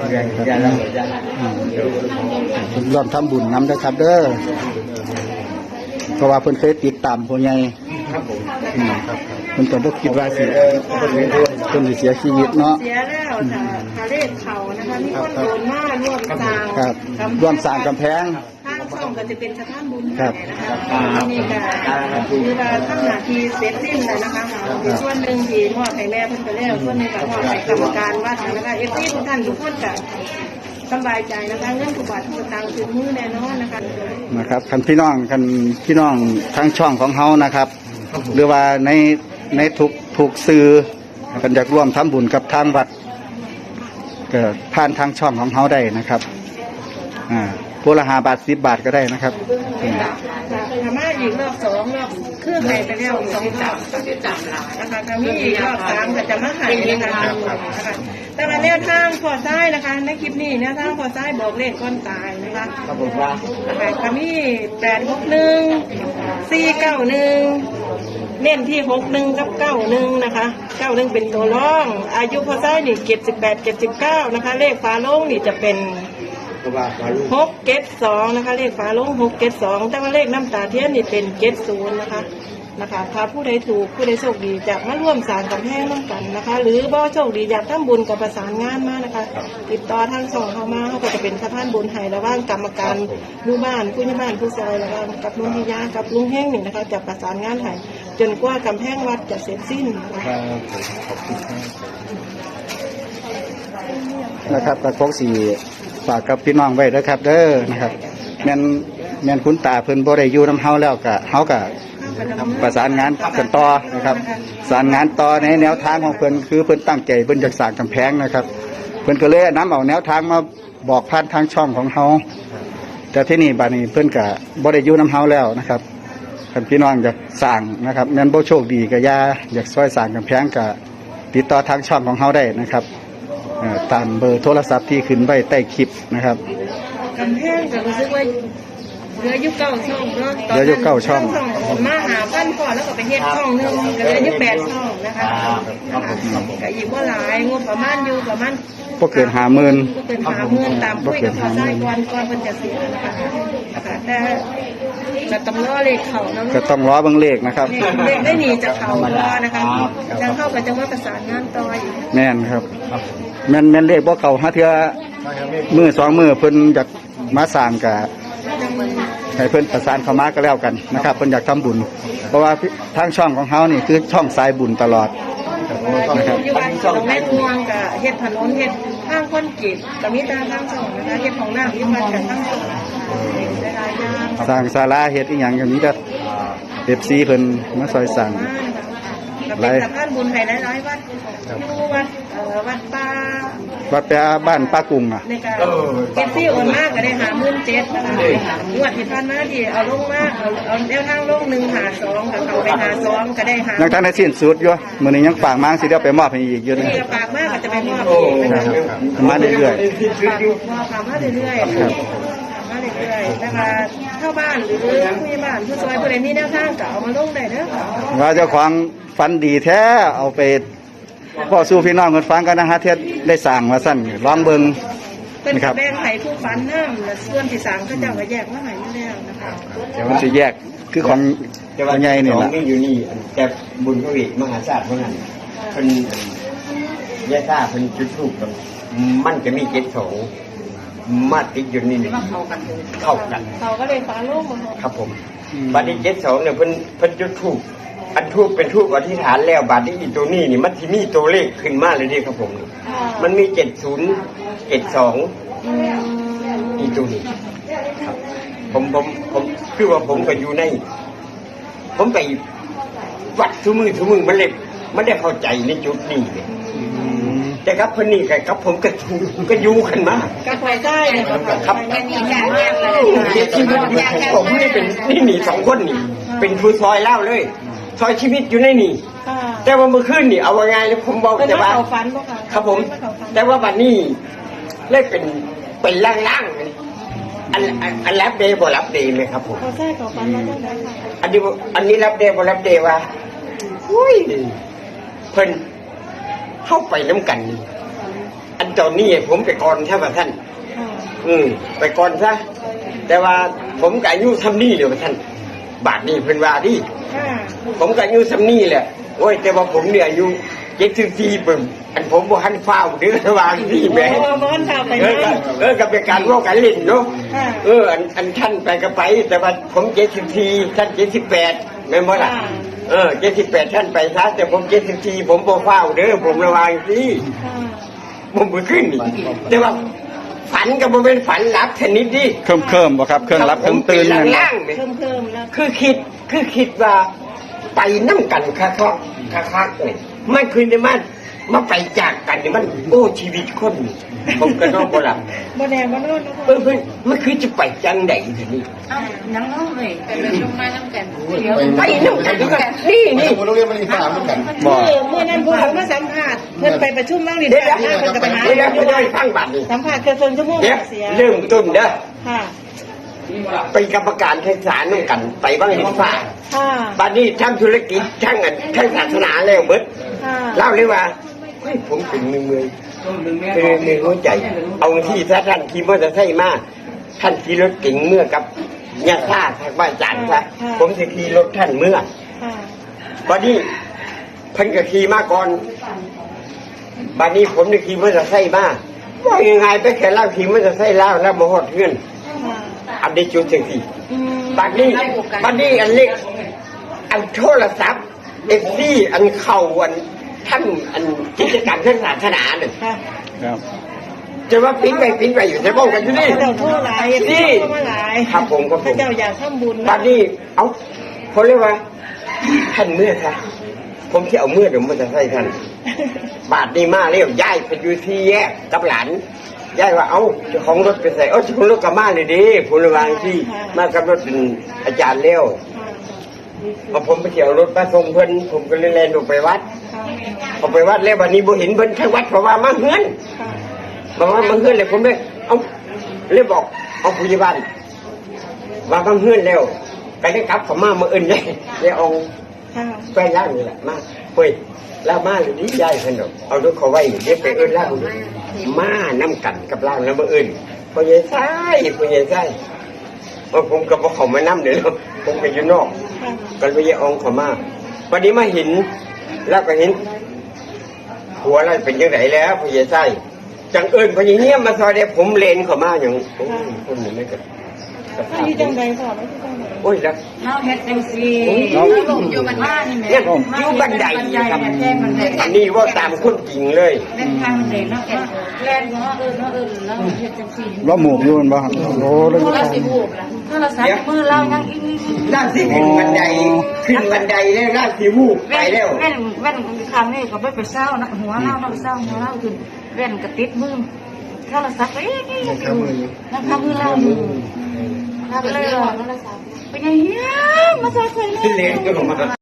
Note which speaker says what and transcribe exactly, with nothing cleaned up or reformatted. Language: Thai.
Speaker 1: ร่วมทำบุญน้ำนะครับเด้อเพราะว่าเพิ่นเคยติดตามผู้ใหญ่ครับผมเพิ่นก็บ่คิดว่าสิเพิ่นสิเสียชีวิตเนาะ
Speaker 2: เสียแล้วค่ะทะเลเขานะคะมีคนโดนมาร่วมสร้าง
Speaker 1: ครับร่วมสร้างกำแพง
Speaker 2: ทางช่องก็จะเป็นสะพานบุญนะคะนี่ก็คือว่าทำหน้าที่เสร็จสิ้นแล้วนะคะมีส่วนหนึ่งที่มอบให้แม่เพิ่นไปแล้วส่วนหนึ่งก็มอบให้กรรมการวัดนะคะเอฟซีทุกท่านทุกคนก็สบายใจนะคะเงินทุกบาททุกสตางค์ถึงมือแน่นอนนะคะ
Speaker 1: นะครับคันพี่น้องคันพี่น้องทั้งช่องของเฮานะครับหรือว่าในในทุกทุกสื่อกันอยากร่วมทำบุญกับทางวัดก็ผ่านทางช่องของเฮาได้นะครับอ่าพวกละห้าบาทสิบบาทก็ได้นะครับ
Speaker 2: ทำมาอีกรอบสองรอบเครื่องไหนไปแล้วสองจับจับละนะคะจะมีอีกรอบสามก็จะมาหายนะคะแต่ละแนวทางพอซ้ายนะคะในคลิปนี้แนวทางพอซ้ายบอกเลขก้อนตายนะคะครับผมว่านะคะจะมีแปดหกหนึ่งสี่เก้าหนึ่งเน้นที่หกหนึ่งกับเก้าหนึ่งนะคะเก้าหนึ่งเป็นตัวร่องอายุพอซ้ายนี่เจ็ดสิบแปดเจ็ดสิบเก้านะคะเลขฟ้าโล่งนี่จะเป็นหกเกตสองนะคะเลขฝาลงหกเกตสองแต่ว่าเลขน้ำตาเทียนนี่เป็นเกตศูนย์นะคะนะคะถ้าผู้ใดถูกผู้ใดโชคดีจะมาร่วมสร้างกำแพงร่วมกันนะคะหรือบ่โชคดีอยากทำบุญกับประสานงานมานะคะติดต่อทางช่องเข้ามาเขาก็จะเป็นสะพานบุญให้ระหว่างกรรมการลูกบ้านผู้ใหญ่บ้านผู้ซอยระหว่างกับลุงพิยากับลุงแห้งนี่นะคะจะประสานงานให้จนกว่ากำแพงวัดจะเสร็จสิ้นนะคะ
Speaker 1: นะครับกระโปรงสีฝากกับพี่น้องไว้ด้วยครับเด้อนะครับแม่นแม่นคุณตาเพิ่นบ่ได้อยู่นำเฮาแล้วก็เฮาก็ประสานงานกันต่อนะครับประสานงานต่อในแนวทางของเพิ่นคือเพิ่นตั้งใจเพิ่นจะสร้างกำแพงนะครับเพิ่นก็เลยนำเอาแนวทางมาบอกผ่านทางช่องของเฮาแต่ที่นี่บัดนี้เพิ่นก็บ่ได้อยู่นำเฮาแล้วนะครับคันพี่น้องอยากสร้างนะครับแม่นบ่โชคดีก็อย่าอยากช่วยสร้างกำแพงก็ติดต่อทางช่องของเฮาได้นะครับตามเบอร์โทรศัพท์ที่ขึ้นไว้ใต้คลิปนะครับ
Speaker 2: กำแพงก็รู้สึกว่าเหลือยุคเก้าช่องเนาะ
Speaker 1: เหลือยุคเก้าช่อง
Speaker 2: มาหาพันก่อนแล้วก็ไปเฮ็ดช่องนึงก็เหลือยุคแปดช่องนะคะก็อีกว่าหลายงบประมาณอยู่ประมาณ
Speaker 1: พวกเกินห้าหมื่น
Speaker 2: พวกเกินห้าหมื่นตามคุยกับเขาได้ก่อนก่อนเพิ่นจะเสียนะคะแต่จะต้องรอเลขเขาเนาะ
Speaker 1: ก็ต้องรอเบิ่งเลขนะครับ
Speaker 2: เลขได้หนีจากเขารอนะคะจังเข้ากับจังว่าประสานงานต่ออีก
Speaker 1: แม่นครับแม่นแม่นเลขบ่เข้าหาเทื่อมือสองมือเพิ่นอยากมาสร้างก็ให้เพิ่นประสานเข้ามาก็แล้วกันนะครับเพิ่นอยากทำบุญเพราะว่าทางช่องของเฮานี่คือช่องสายบุญตลอด
Speaker 2: นะครับอยู่บ้านช่องแม่นวงก็เฮ็ดถนนเฮ็ดทางคนกีดก็มีแต่ทางช่องนะคะเฮ็ดของน้ำที่มาจากทางช่อง
Speaker 1: สร้างศาลาเฮ็ดอีหยังก็มีแต่ เอฟ ซี เพิ่นมาซอยสร้าง
Speaker 2: หลายสะพานบุญให้หลายๆวัดอยู่วัดเอ่อวัดป่า
Speaker 1: วัดป่าบ้านป้ากุ้งอ่ะ
Speaker 2: ในการเอฟซีโอนมากก็ได้หาหมื่นเจ็ดนะคะงวดที่ผ่านมาที่เอาลงมาเอาเอาแนวทางลงหนึ่งหาสองกับเขาไปหาสองก็ได้หา
Speaker 1: ยังทันได้สิ้นสุดอยู่มื้อนี้ยังฝากมาสิเดี๋ยวไปมอบให้อีกอยู่นึง
Speaker 2: ฝากมากก็จะไปมอบอีกนะคะ
Speaker 1: มาเรื่อย
Speaker 2: ๆฝากมาเรื่อยๆมาเรื่อยๆนะคะเข้าบ้านหรือผู้ใหญ่บ้านผู้ซอยผู้ใดมีแนวทางก็เอามาลงได้เด้อ
Speaker 1: ว่าเจ้าของฝันดีแท้เอาไปพ่อสู้พี่น้องคนฟังกันนะฮะเทศได้สั่งมาสั่นร้องเบิง
Speaker 2: เป็นแบ่งไข่ผู้ฝันน้ำและส่วนที่สั่งก็จะมาแยกว่าไห่ไม่แล้วนะคะ
Speaker 1: เดี๋ยวมันจะแยกคือของตัวใหญ่เนี่ยนะ
Speaker 3: อยู่นี่แต่บุญพระวิมหาศาสตร์เมื่อนั้นเป็นแยกซ่าเป็นจุดทูบกันมันจะมีเจ็ดสองมาติดอยู่นี่เข้ากันเข้ากัน
Speaker 2: เขาก็เลยฟ้าโล่งมา
Speaker 3: ครับผมบัดนี้เจ็ดสองเนี่ยเพิ่นเพิ่นจุดทูบอันทูบเป็นทูบอธิษฐานแล้วบัดนี้อีตัวนี้นี่มันที่มีตัวเลขขึ้นมาเลยดิครับผมมันมีเจ็ดศูนย์เจ็ดสองอีตัวนี้ครับผมผมผมคือว่าผมก็อยู่ในผมไปวัดทุมือทุมือมันเลยมันได้เข้าใจในจุดนี้เลยแต่ครับเพิ่นนี่กับผมก็ก็อยู่กันมา
Speaker 2: กับไปได้เลย
Speaker 3: ครับเสียชีวิตอยู่ผมนี่เป็นนี่หนีสองคนนี่เป็นผู้ซอยเล่าเลยซอยชีวิตอยู่ในนี่แต่ว่าเมื่อคืนนี่เอาไงเลยผมบอกแต่ว่าครับผมแต่ว่าวันนี้เลยเป็นเป็นล่างๆอันอันรับเดย์บ่รับเดย์ไหมครับผมอันนี้อันนี้รับเดย์บ่รับเดย์ว่าอุ้ยเพิ่นเข้าไปน้ำกันอันเจ้านี่ผมไปก่อนใช่ป่ะท่าน
Speaker 2: ค่ะ
Speaker 3: อืมไปก่อนซะแต่ว่าผมกับอายุทำนี่เดี๋ยวท่านบาทนี่เพิ่นว่าดิ
Speaker 2: ค่ะ
Speaker 3: ผมกับอายุทำนี่แหละโอ้ยแต่ว่าผมเนี่ยอายุเจ็ดสิบสี่ปึ่งอันผมบ่ทันฟ้าวเดือระหว่างที่แม่
Speaker 2: โอ้บ้านข่าวไป
Speaker 3: เอ
Speaker 2: นั่
Speaker 3: อน ก็เออกับเป็นการว่ากันเล่นเนาะ
Speaker 2: ค่ะ
Speaker 3: เอออันอันท่านไปก็ไป แต่ว่าผมเจ็ดสิบสี่ท่านเจ็ดสิบแปดไม่หมดอ่ะเออเจ็ดสิบแปดท่านไปซะแต่ผมเจ็ดสิบสี่ผมบ่ฟ้าวเด้อผมระวังสิ
Speaker 2: ค่ะ
Speaker 3: ผมบ่ขึ้นนี่แต่ว่าฝันก็บ่เป็นฝันหลับชนิดดิ
Speaker 1: เคิมเคิมๆบ่ครับเครื่องรับเครื่องตื่น
Speaker 3: ผม
Speaker 1: นั่น
Speaker 3: เป็
Speaker 1: บ่
Speaker 3: ล่างๆเนี่ย
Speaker 2: เพิ่มเพิ่มแล้ว
Speaker 3: คือคิดคือคิดว่าไปน้ำกันคักๆคักๆเนี่ยมันคืนในมันมาไปจากกันเนี่ยมันโอ้ชีวิตคนนี่ผมก็นอนบ่หลับ
Speaker 2: บ่แน่บ่นอน
Speaker 3: เออเพิ่นมันคือจะไปจังไหนทีนี้
Speaker 4: เอานังน้องเลยไปเป็นลูกมาน้ำกันเดี๋ยว
Speaker 3: ไปน้ำกันด้วยกันนี่นี่
Speaker 5: ผมต้องเรียนมันอีกสามเหมือนกัน
Speaker 1: บ่
Speaker 2: เมื่อเมื่อนั้นพวกผมมาสัมภาษณ์เพิ่นไปประชุมบ้างนี่
Speaker 3: เดี๋ยว
Speaker 2: เดี๋
Speaker 3: เดี๋
Speaker 2: ย
Speaker 3: ยว ว
Speaker 2: เพิ่นก็ไปหา
Speaker 3: เดี๋ยวเดี๋ยวให้ฟังบัตรนี่
Speaker 2: สัมภาษณ์เกือบชั่วโมง
Speaker 3: เดี๋ยว
Speaker 2: เสีย
Speaker 3: เริ่มต้นเด้อ
Speaker 2: ค่ะ
Speaker 3: ไปกรรมการแข่งสารน้ำกันไปบ้างเห็นฟ้า
Speaker 2: ค่ะ
Speaker 3: บัดนี้ทำธุรกิจทั้งอันทั้งศาสนาแล้วเบิด
Speaker 2: ค่ะ
Speaker 3: เล่าเลยว่าเฮ้ยผมเป็นมือมือเป็นมือหัวใจ เอาที่ถ้าท่านขี่มอเตอร์ไซค์มาท่านขี่รถเก่งเมื่อกับญาติท่าทางบ้านจันทร์ซะผมจะขี่รถท่านเมื่อ
Speaker 2: ค่ะ
Speaker 3: บัดนี้เพิ่นก็ขี่มาก่อนบัดนี้ผมได้ขี่มอเตอร์ไซค์มาว่ายังไงไปแค่เล่าขี่มอเตอร์ไซค์เล่าแล้วมาหอดเพื่อน
Speaker 2: ค่ะ
Speaker 3: อันได้จุดจังสี่
Speaker 2: อืม
Speaker 3: บัดนี้บัดนี้อันเล็กอันโทรศัพท์เอฟซีอันเข่าอันท่านอันกิจกรรมทางศาสนาเนี่ย
Speaker 2: ค่ะ
Speaker 1: ครับ
Speaker 3: จะว่าปิ้นไปปิ้นไปอยู่จะบอกกันอยู่นี่
Speaker 2: เจ้าโทษหลาย
Speaker 3: นี่
Speaker 2: โทษมาหลาย
Speaker 3: ครับผมครับผม
Speaker 2: พระเจ้าอยากทำบุญ
Speaker 3: บัดนี้เอาเขาเรียกว่าท่านเมื่อค่ะผมที่เอาเมื่อเดี๋ยวมันจะใส่ท่านบาทนี้มาเรียกย้ายไปอยู่ที่แยกกับหลานย้ายว่าเอาเจ้าของรถไปใส่เอ้าเจ้าของรถกับมาเลยดิผมระวังที่มากับรถเป็นอาจารย์เลี้ยว พอผมไปเที่ยวรถมาส่งเพิ่นผมก็เลยแล่นออกไปวัด
Speaker 2: ค่ะ
Speaker 3: ออกไปวัดแล้ววันนี้บ่เห็นเพิ่นทั้งวัดเพราะว่ามาเฮือน
Speaker 2: ค่ะ
Speaker 3: บอกว่ามาเฮือนเลยผมเลยเอาเลยบอกเอาผู้ใหญ่บ้านว่ามาเฮือนแล้วก็ได้กลับเขามาเมื่ออื่นเลยเลยเอา
Speaker 2: ค่ะ
Speaker 3: แฟนล่างนี่แหละมาเฮ้ยแล้วมาหรือดีใจเพิ่นดอกเอารถเขาไว้เดี๋ยวไปเอิ้นล่างมาน้ำกันกับล่างแล้วเมื่ออื่นพ่อใหญ่ไส้พ่อใหญ่ไส้ว่าผมกับพ่อเขามาน้ำเดี๋ยวผมไปอยู่นอก
Speaker 2: ค่ะ
Speaker 3: ก็เลยเอาเขามาวันนี้มาเห็นแล้วก็เห็นหัวอะไรเป็นยังไงแล้วพญาไส้จังเอิญพญาเงี้ยมาซอยเดียผมเลนเขามาอย่างโอ้ยคนนี้ไม่ก็
Speaker 2: ถ้าอยู่จังใดพอแล้วที่จังใด
Speaker 3: โอ้ยแล้ว
Speaker 4: น้องเฮ็ดจังซี่ลงอยู่มันมานี่แม่
Speaker 3: เนี่ยอยู่บันไดครับ
Speaker 4: แค่บันได
Speaker 3: อันนี้ว่าตามคนจริงเลย
Speaker 4: เล่นทางบันไดเนาะแล่นเนาะเออเนาะเออแล้วเฮ็ดจังซี่
Speaker 1: ว่าหมูกอยู่มันบ่ครับโอ้แล้ว
Speaker 4: โทรศัพท์หูบล่ะโทรศัพท์มือเรายังอีนี่
Speaker 3: ล่างที่ขึ้นบันไดขึ้นบันไดแล้วล่างที่วูบไปแล้ว
Speaker 4: แว่นแว่นครั้งนี้ก็ไปไปเศร้านะหัวเราเนาะไปเศร้าหัวเราขึ้นแว่นก็ติดมือโทรศัพท์เอ้ยนี่อยู่นั่งทำมือเราอยู่ทำเลยเป็นยังไงมาซอยเลย
Speaker 3: เลนก็ลงมา